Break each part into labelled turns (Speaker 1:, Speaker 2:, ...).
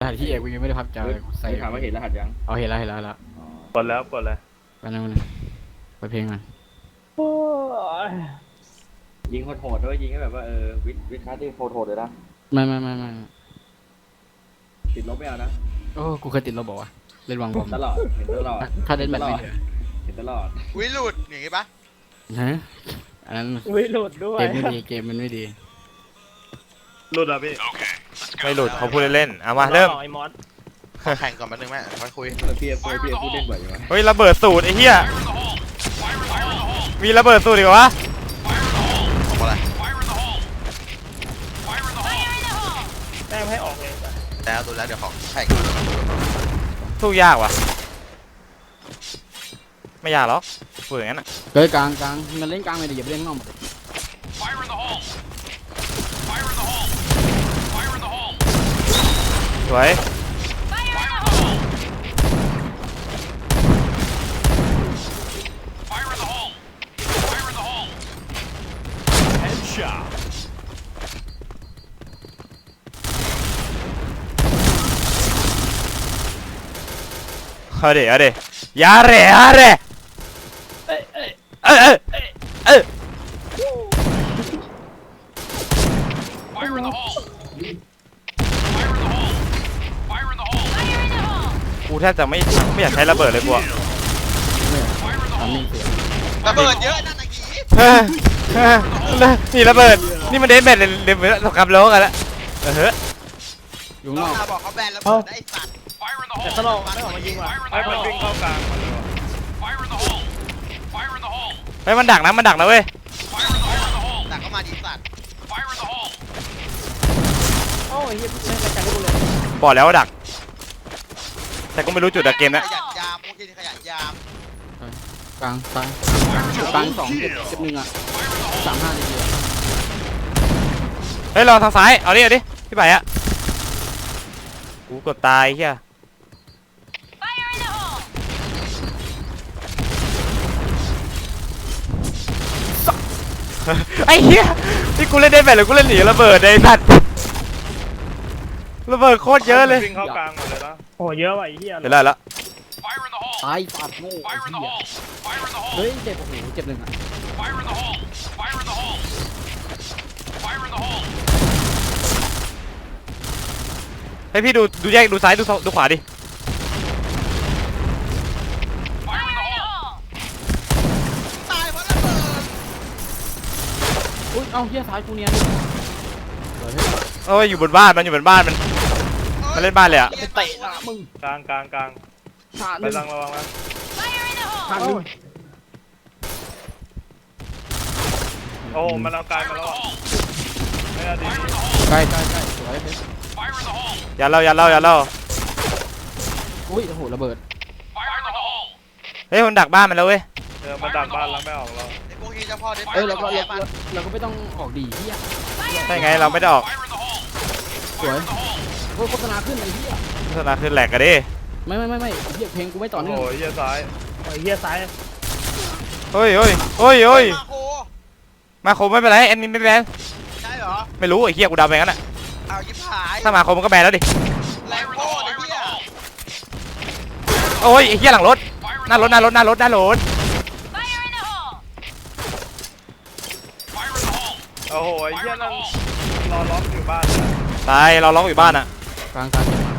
Speaker 1: หัสที่เอกกูยังไม่ได้พับจอเลยใส่
Speaker 2: ถามว่าเห็นรหัสยัง
Speaker 1: เอาเห็นแล้วแล้ว
Speaker 3: กดแล้วกดเลย
Speaker 1: ไปนั่งไปเพลงก่อน
Speaker 2: ยิงโหดๆด้วยยิงให้แบบว่าวิทย์คาร์ที่โหดๆเลยนะ
Speaker 1: ไม่
Speaker 2: ติดลบไม่เอานะ
Speaker 1: โอ้กูเคยติดลบบอกว่าเล่นวางบอม
Speaker 2: ตลอดเห็นตลอด
Speaker 1: ถ้าเล่นแบบไม่เหลือ
Speaker 2: เห็นตลอด
Speaker 4: วิหลุดอย่างงี้ปะ
Speaker 1: ฮะอันนั้น
Speaker 5: วิหลุดด้วย
Speaker 1: เกมไม่ดีเกมมันไม่ดี
Speaker 3: หลุดอ่ะพี่
Speaker 6: ไม่หลุดเขาพูดเล่นๆเอามาเริ่ม
Speaker 5: ไอ้มอส
Speaker 4: ขอแข่งก่อนแป๊บนึงแม่ค่อยคุย
Speaker 2: พี่พูดเล่นบ่อยอยู่ไหม
Speaker 6: เฮ้ยระเบิดสูตรไอ้เหี้ยมีระเบิดสูตรอีกวะ
Speaker 4: ผมอะไร
Speaker 5: แต้มให้ออกเลย
Speaker 4: แล้วดูแล้วเดี๋ยวขอแข่ง
Speaker 6: สู้ยากว่ะไม่ยากหรอกพูดอย่างนั้นอ่ะ
Speaker 1: เกิดกลางมันเล่นกลางไม่ดีอย่าไปเล่นนอกหมด
Speaker 6: สวยเอาดิยาเร่เอ้ยกูแทบจะไม่อยากใช้ระเบิดเลยกูอะ
Speaker 1: ทำนิ่งเสีย
Speaker 4: ระเบิดเยอะนั่นนะกี้
Speaker 6: นี่ระเบิดนี่มันเดนแมทเลยเดนแมทสงครามโลกกันแล้วเฮ้ย
Speaker 1: อยู่
Speaker 4: น้
Speaker 1: น
Speaker 4: อง
Speaker 1: อก
Speaker 4: นาบอกเขาแบนระเบิดได้สัตว์
Speaker 5: แต่ตลกไม่ออกมายิงว่ะ
Speaker 3: ไอ้มันวิ่งเข้ากลางมาเลยว่ะ
Speaker 6: เฮ้ยมันดักนะเว้ย
Speaker 4: แต่ก็มาดีสัตว์
Speaker 5: โอ้ยเฮียไม่รายการที่กูเลย
Speaker 6: บอกแล้วว่าดัก แต่ก็ไม่รู้จุดอะเกมนะ
Speaker 4: ขยันยามพวกที่ขยันยาม
Speaker 1: กลางซ้ายกลาง2เจ็บ1อ่ะ35นาที
Speaker 6: เฮ้ยลองทางซ้ายเอาดิพี่ไปอะกูกดตายเฮียไอ้เหี้ยนี่กูเล่นได้แบบหรือกูเล่นหนีระเบิดไอ้สัตว์ระเบิดโคตรเยอะเลย
Speaker 3: วิ่งเข้ากลางหมดเลยนะ
Speaker 5: โอ้เยอะว่ะไอ้เฮีย
Speaker 6: เดี๋ยวได้แล้ว
Speaker 1: ตายฟาดโง่ไอ้เหี้ยเฮ้ยเจ็บโอ้โหเจ็บ1อ่ะ
Speaker 6: ให้พี่ดูแยกดูซ้ายดูขวาดิ
Speaker 4: ตายเพราะระเบิด
Speaker 1: อุ้ยเอ้าเหี้ยซ้ายกูเนียน
Speaker 6: โอ้ยอยู่บนบ้านมันเล่นบ้านเลยอะ
Speaker 1: ไปเตะหน้ามึง
Speaker 3: กลาง
Speaker 1: ชา
Speaker 3: ไป
Speaker 1: 1
Speaker 3: ทางระวังนะ
Speaker 1: ชา1
Speaker 3: โอ้มันเอากลายมาแล้วอ่ะไม่เอาดี
Speaker 1: ใกล้สวย
Speaker 6: อย่าเล่า
Speaker 1: อุ้ยโอ้โหระเบิด
Speaker 6: เฮ้ยมันดักบ้านมันแล้วเว้ย
Speaker 3: มันดักบ้านแล้วไม่ออกเรา
Speaker 4: ไอ้พวกที่เจ้าพ่อได้
Speaker 1: เอ้ยเราก็ไม่ต้องออกดีเหี้ย
Speaker 6: ใช่ไงเราไม่ได้ออก
Speaker 1: สวยโฆษณาขึ้นไอ้เหี้ย
Speaker 6: โฆษณาขึ้นแหลกกันดิ
Speaker 1: ไม่เหี้ยเพลงกูไม่ต่อ
Speaker 3: โอ้
Speaker 1: เนื่อง
Speaker 3: โหเหี้ยซ้าย
Speaker 5: ไอ้เฮียซ้าย
Speaker 6: เฮ้ย
Speaker 4: มาโค
Speaker 6: มาโคมไม่เป็นไรแอดมินไม่แบน
Speaker 4: ใช่เหรอ
Speaker 6: ไม่รู้ไอ้เหี้ยกูเดาไปงั้นอะ
Speaker 4: เอายิบหาย
Speaker 6: ถ้ามาโคมมันก็แบนแล้วดิ
Speaker 4: แรงโคตรไอ้เหี้ย
Speaker 6: โอ้ยไอ้เหี้ยหลังรถหน้ารถ
Speaker 3: โอ้โหไอ้เหี้ยนั่นรอล็อกอยู่บ้านเลย
Speaker 6: ตายเราล็อกอยู่บ้านอะ
Speaker 1: กลาง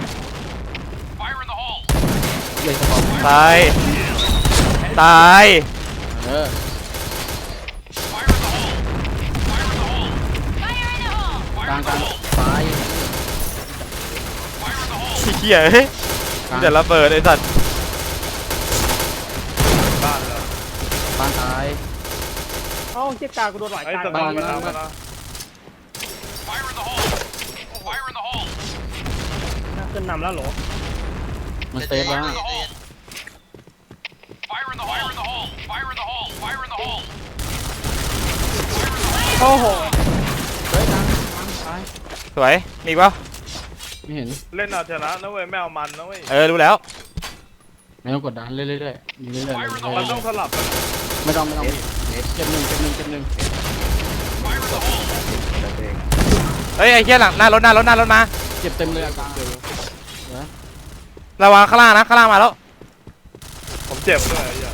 Speaker 1: เหี้ยสปอร์ต
Speaker 6: ตาย
Speaker 1: เออกลางซ้าย
Speaker 6: เหี้ยเฮ้ยมีแต่ระเบิดไอ้สัตว์
Speaker 3: บ้านเลย
Speaker 1: กลางซ้าย
Speaker 5: เอ้าเฮียกลางกูโดนหลาย
Speaker 3: ไอ้
Speaker 5: กลาง
Speaker 3: สมองมันทำนะ
Speaker 5: ขึ้นนำแล้วเหรอ
Speaker 1: มันเซฟแล้ว
Speaker 5: โอ้โห
Speaker 1: เฮ้ยกลางซ้าย
Speaker 6: สวยมีอีกปะ
Speaker 1: ไม่เห็น
Speaker 3: เล่นเอาชนะนะเว้ยไม่เอามันนะเว้ย
Speaker 6: รู้แล้ว
Speaker 1: ไม่ต้องกดดันเรื่อยๆยิงเรื่อยๆ
Speaker 3: มันต้องสลับกัน
Speaker 1: ไม่ต้องเจ็บหนึ่ง
Speaker 6: เฮ้ยไอ้เหี้ยหลังหน้ารถมา
Speaker 1: เจ็บเต็มเลยกลาง
Speaker 6: ระวังข้างล่างนะข้างล่างมาแล้ว
Speaker 3: ผมเจ็บด้วยไอ้เหี้ย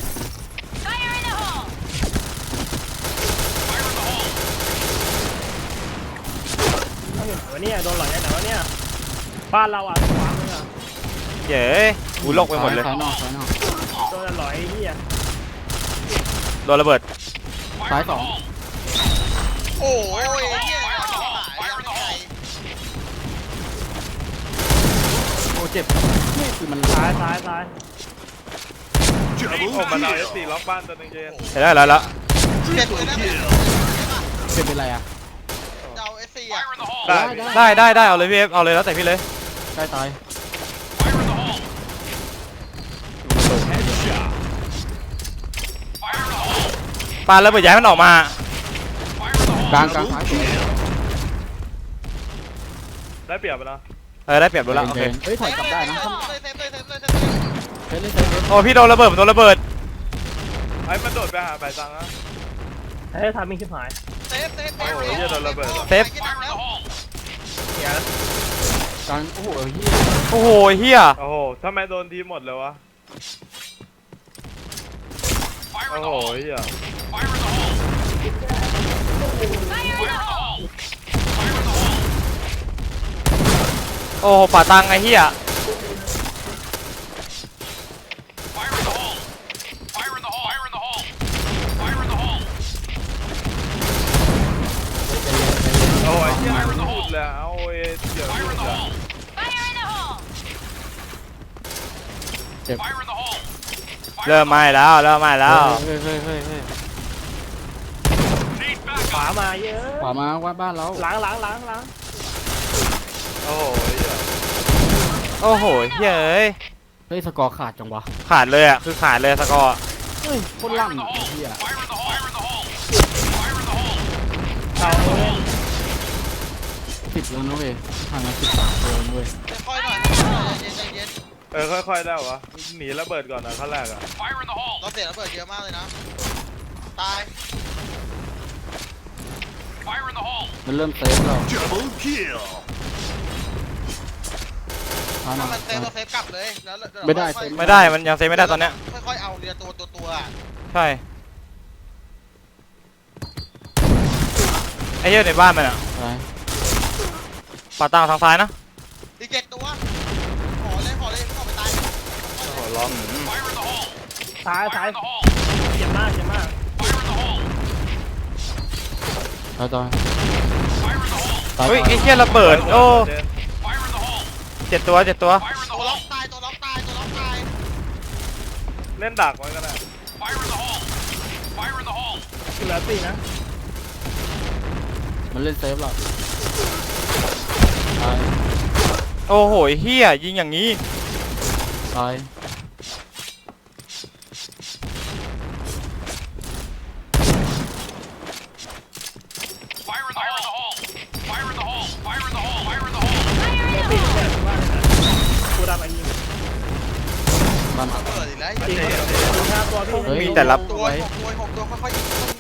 Speaker 5: เอาอยู่ไหนวะเนี่ยโดนหลอยไหนวะเนี่ยบ้านเราอ่ะขวามืออ่ะ
Speaker 6: เย้กูโลกไปหมดเลย
Speaker 1: ซ้ายนอกซ้ายนอก
Speaker 5: โดนหลอยไอ้เหี้ย
Speaker 6: โดนระเบิด
Speaker 1: ซ้ายสอง
Speaker 4: โอ้ยเหี้ยอยากชิบหายยังไง
Speaker 1: โอ้เจ็บนี่คือมัน
Speaker 5: ซ้าย
Speaker 3: โอ้มันเอาไอ้สี่ล็อกบ้านตัวหนึงเจน
Speaker 6: เห็นแล้วแล้ว
Speaker 4: เจ็บเลยนะเนี่ย
Speaker 1: เจ็บเป็นไรอ่ะ
Speaker 4: เจ้าเอสซีอ่ะ
Speaker 6: ได้เอาเลยพี่เอฟเอาเลยแล้วแต่พี่เลย
Speaker 1: ใกล้ตาย
Speaker 6: ปาระเบิดย้ายมันออกมาก
Speaker 1: ลางซ้ายสวย
Speaker 3: ได้เปรียบไปแล้ว
Speaker 6: ได้เปรียบดูแล้วโอเค
Speaker 1: เฮ้ยถอยกลับได้นะ
Speaker 4: เลยเซฟเลย
Speaker 1: เฮ้ยเล่นเซฟ
Speaker 6: โอ้พี่โดนระเบิดผมโดนระเบิด
Speaker 3: ไอ้มันโดดไปหาใบซังนะ
Speaker 5: เฮ้ยทำมีชิบหาย
Speaker 4: เซฟ
Speaker 3: โอ้โหเหี้ยโดนระเบิดว่ะ
Speaker 6: เซฟ
Speaker 1: กลางโอ้โหเฮีย
Speaker 6: โอ้โหเฮีย
Speaker 3: โอ้โหทำไมโดนทีหมดเลยวะโอ้โหเหี้ย
Speaker 6: โอ้โหป่าตังไอ้เฮีย
Speaker 3: โอ้ยเหี้ยมันพูดเลยเอาเอเดี๋ยวพูดเลย
Speaker 1: เจ็บ
Speaker 6: เริ่มไม่แล้วเริ่มไม่แล้ว
Speaker 1: เฮ้ย
Speaker 5: ขวามาเยอะ
Speaker 1: ขวามาว่าบ้านเรา
Speaker 5: ล้าง
Speaker 3: โอ้โหเหี้ย
Speaker 6: โอ้โหเฮียเอ้ย
Speaker 1: เฮ้ยสกอร์ขาดจังวะ
Speaker 6: ขาดเลยอ่ะคือขาดเลยสกอร์
Speaker 1: เฮ้ยโคตรลั่นเฮีย
Speaker 5: เอาเล่น
Speaker 1: 10แล้วนะเว้ยห่างกัน13ตัวเว้ย
Speaker 4: ค่อยหน่อยใจเย็น
Speaker 3: ค่อยๆได้วะหนีระเบิดก่อนนะขั้นแรกอะ
Speaker 4: เราเสียระเบิดเยอะมากเลยนะตาย
Speaker 1: มันเริ่มเซฟแล้วทาง
Speaker 4: ถ้า
Speaker 1: มา
Speaker 4: มันเซฟเราเซฟกลับเลยแล้ว
Speaker 6: ไม่ได้มันยังเซฟไม่ได้ตอนเนี้ย
Speaker 4: ค่อยๆเอาเรือตัว
Speaker 6: ใช่ไอ้เหี้ยในบ้านมันอ่ะ
Speaker 1: ไป
Speaker 6: ป่าตังทางซ้ายนะ
Speaker 4: อีก7ตัวขอเลยไม่ต้องไปตาย
Speaker 3: โอ้โหล็อก
Speaker 5: ซ้ายเจ็บมาก
Speaker 1: ตายตาย
Speaker 6: เฮ้ยไอ้เหี้ยระเบิดโอ้7 ตัว
Speaker 4: ตัวล็อกตาย
Speaker 3: เล่นดักไว้ก็ได้
Speaker 5: เหลือ4นะ
Speaker 1: มันเล่นเซฟแล้วตาย
Speaker 6: โอ้โหเฮียยิงอย่างนี้
Speaker 1: ตาย
Speaker 5: เหลือ4เนี่ยว่ากูดับไอ้ยิง
Speaker 1: บ้าน
Speaker 4: ระเบิดอีกแล้ว
Speaker 5: จริง5ตัวพี่
Speaker 6: มีแต่รับ
Speaker 4: ตัว6ตัวค่อย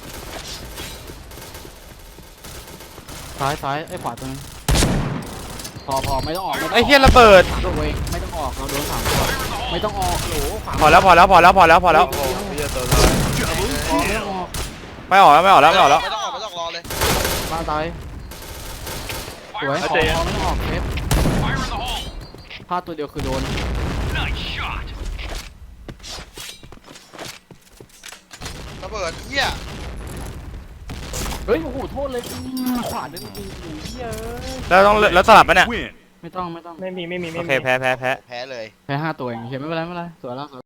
Speaker 1: ซ้ายไอ้ขวาตัวนึงพอไม่ต้องออก
Speaker 6: ไอ้เฮียระเบิด
Speaker 1: ตัวเองไม่ต้องออกเราโดน3ตัวไม่ต้องออกโหลขวา
Speaker 6: พอแล้ว
Speaker 3: โอ้โหเหี้ยตัวท้าย
Speaker 1: ไม่ต้องออก
Speaker 6: ไม่ออกแล้ว
Speaker 4: ไม่ต้องรอเลย
Speaker 1: บ้านตายสวยขอไม่ต้องออกเซฟพลาดตัวเดียวคือโดน
Speaker 4: ระเบิดเหี้ย
Speaker 1: เฮ้ยโอ้โหโทษเลยขวาดึงยิงเฮ้ย
Speaker 6: แล้วสลับไหมเนี่ย
Speaker 1: ไม่ต้อง
Speaker 5: ไม่มี
Speaker 6: โอเคแพ้
Speaker 4: แพ้เลย
Speaker 1: แพ้5ตัวเองเห็นไม่เป็นไรสวยแล้ว